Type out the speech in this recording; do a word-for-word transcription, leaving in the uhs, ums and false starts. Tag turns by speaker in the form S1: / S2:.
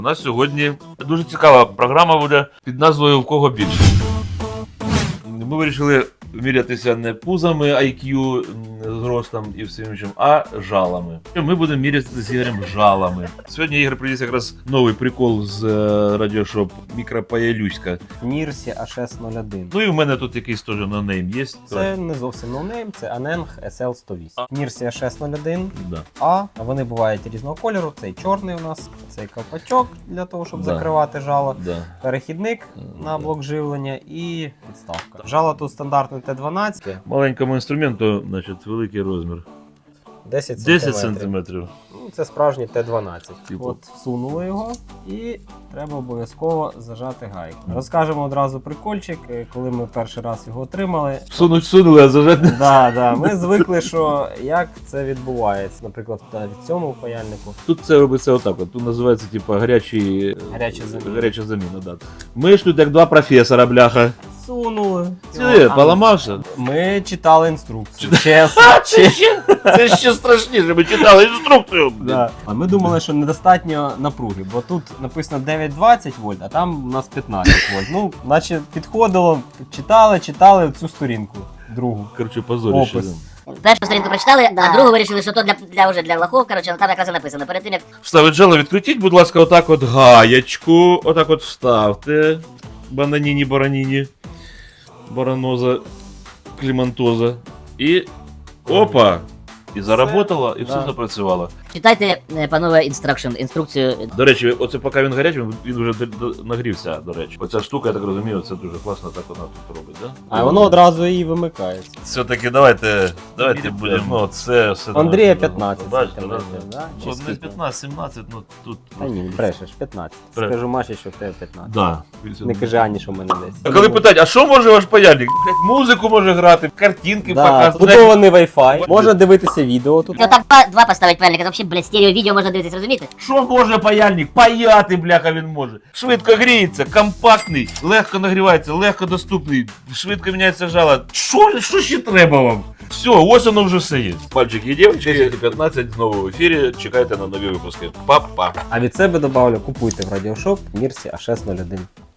S1: У нас сьогодні дуже цікава програма буде під назвою «В кого більше». Ми вирішили мірятися не пузами, ай к'ю, зростом і всім іншим, а жалами. Ми будемо мірятися з Ігорем жалами. Сьогодні Ігор приніс якраз новий прикол з радіошоп Мікропаялюська.
S2: Нірсі ейч ес нуль один.
S1: Ну і в мене тут якийсь теж ноунейм є.
S2: Це не зовсім ноунейм, це Аненг ес ел сто вісім. Нірсі ейч ес нуль один,
S1: Да.
S2: А, вони бувають різного кольору. Цей чорний у нас, цей ковпачок для того, щоб
S1: Да.
S2: закривати жало.
S1: Да.
S2: Перехідник на
S1: Да.
S2: блок живлення і підставка. Жало тут стандартне Т дванадцять.
S1: Маленькому інструменту, значить, великий розмір.
S2: десять
S1: десять
S2: сантиметрів.
S1: сантиметрів.
S2: Ну, це справжній Т дванадцять.
S1: Типу.
S2: От всунули його і треба обов'язково зажати гайку. Розкажемо одразу прикольчик, коли ми перший раз його отримали.
S1: Всунуть всунули, а зажати.
S2: Да, да. Ми звикли, що як це відбувається. Наприклад, в цьому паяльнику.
S1: Тут це робиться отак. От. Тут називається типу гарячий...
S2: Гаряча заміна.
S1: гаряча заміна. Да. Ми ж тут як два професора, бляха.
S2: Сунули.
S1: Ти,
S2: А,
S1: поламався?
S2: Ми читали інструкцію. Чесно.
S1: Це ще, це ще страшніше, ми читали інструкцію.
S2: Да. А ми думали, що недостатньо напруги, бо тут написано дев'ять двадцять вольт, а там у нас п'ятнадцять вольт. Ну, наче підходило, читали, читали цю сторінку, другу.
S1: Коротше, позоріще.
S2: Опис.
S3: Першу сторінку прочитали,
S4: Да.
S3: а другу вирішили, що то для, для, вже для лохов, коротше, там якраз і написано. Перед тим, як
S1: Вставить жало, відкрутіть, будь ласка, отак от гаячку, отак от вставте. Бананіні, бараніні, бараноза, клімантоза. І опа! І заработало, і все
S2: Да.
S1: запрацювало.
S3: читайте, е, панове, інстракшн, інструкцію.
S1: До речі, оце поки він гарячий, він- він вже до- до- нагрівся, до речі. Оця штука, я так розумію, це дуже класно так вона тут робить, да?
S2: А воно одразу і вимикається.
S1: Все-таки давайте, давайте будемо, ну, це все...
S2: Андрія п'ятнадцять
S1: Бачите,
S2: сантиметрів,
S1: да?
S2: да? Чи
S1: Ну, не
S2: скільки?
S1: п'ятнадцять, сімнадцять, ну тут...
S2: Та ні, брешеш, п'ятнадцять.
S1: Бре-
S2: Скажу Маші, що в тебе п'ятнадцять.
S1: Да.
S2: Не кажи Ані, що в мене десять.
S1: А коли питають, а що може ваш паяльник? Блять, музику може грати, картинки
S2: Да,
S1: показувати.
S2: вбудований Wi-Fi, можна дивитися відео тут.
S3: Ну так два, два поставить пальника, то взагалі, блядь, стерео відео можна дивитися, розумієте?
S1: Що може паяльник? Паяти, бляха, він може. Швидко гріється, компактний, легко нагрівається, легко доступний, швидко міняється жало. Що, що ще треба вам? Все, ось воно вже все є. Пальчик є дівчатки, десять п'ятнадцять знову в ефірі. Чекайте на нові випуски. Па-па.
S2: А від себе добавлю, купуйте в радіошоп Нірсі ейч ес нуль один.